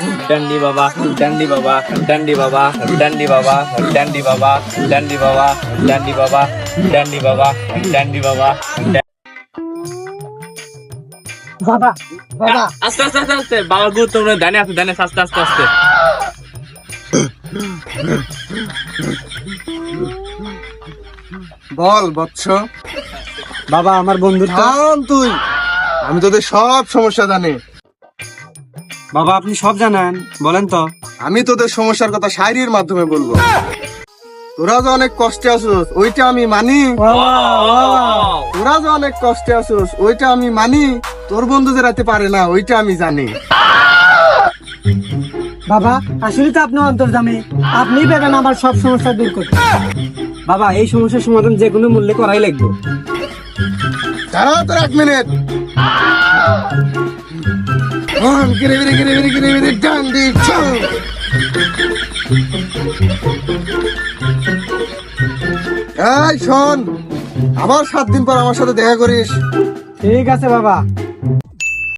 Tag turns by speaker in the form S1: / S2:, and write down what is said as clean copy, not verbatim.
S1: ডান্ডি বাবা ডান্ডি বাবা ডান্ডি বাবা ডান্ডি বাবা ডান্ডি বাবা ডান্ডি বাবা ডান্ডি বাবা ডান্ডি বাবা ডান্ডি বাবা।
S2: বাবা বাবা
S1: আস্তে আস্তে আস্তে আস্তে বাবা গুরুত্বপূর্ণ ধানে আছে ধানে আস্তে আস্তে আস্তে।
S3: বল বৎস।
S2: বাবা আমার বন্ধুত্ব।
S3: থাম তুই, আমি তোদের সব সমস্যা জানি।
S2: বাবা আপনি সব জানেন, বলেন তো।
S3: আমি তোদের সমস্যার কথা শায়রির মাধ্যমে বলবো। তোরা যে অনেক কষ্টে আছিস ওইটা আমি মানি, তোরা যে অনেক কষ্টে আছিস ওইটা আমি মানি, তোর বন্ধু যে রাতে পারে না ওইটা আমি জানি।
S2: বাবা আসলে তো আপনি অন্তর্জামী, আপনি পাবেন আমার সব সমস্যা দূর করতে। বাবা এই সমস্যার সমাধান যে কোনো মূল্যে করাই লাগবে।
S3: দাঁড়াও তোর 1 মিনিট। গিরে গিরে গিরে গিরে গিরে গিরে ডান্ডি ছৌ। এই শোন, আবার 7 দিন পর আমার সাথে দেখা করিস।
S2: ঠিক আছে বাবা।